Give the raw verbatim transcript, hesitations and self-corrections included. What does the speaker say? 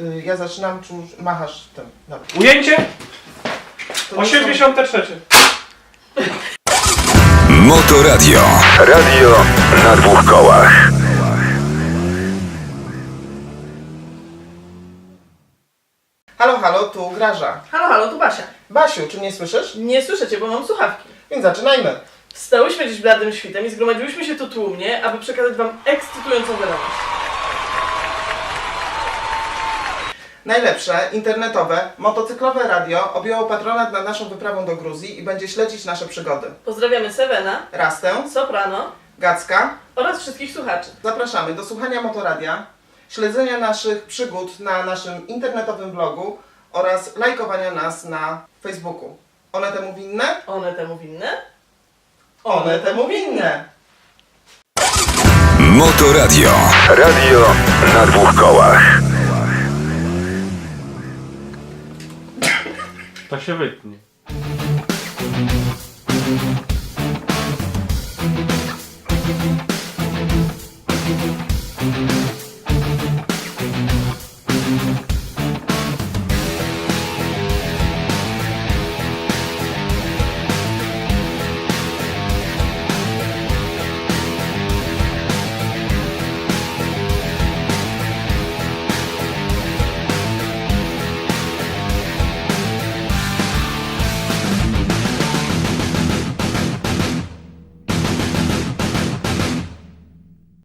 y, ja zaczynam, czy już machasz tym? Dobra. Ujęcie To nie osiemdziesiąte trzecie. Motoradio. Radio na dwóch kołach. Halo, halo, tu Graża. Halo, halo, tu Basia. Basiu, czy mnie słyszysz? Nie słyszę cię, bo mam słuchawki. Więc zaczynajmy. Wstałyśmy dziś bladym świtem i zgromadziłyśmy się tu tłumnie, aby przekazać wam ekscytującą wiadomość. Najlepsze, internetowe, motocyklowe radio objęło patronat nad naszą wyprawą do Gruzji i będzie śledzić nasze przygody. Pozdrawiamy Sevena, Rastę, Soprano Gacka. oraz wszystkich słuchaczy. Zapraszamy do słuchania Motoradia, śledzenia naszych przygód na naszym internetowym blogu oraz lajkowania nas na Facebooku. One temu winne? One temu winne? One temu winne! Motoradio. Radio na dwóch kołach. To się wytnie.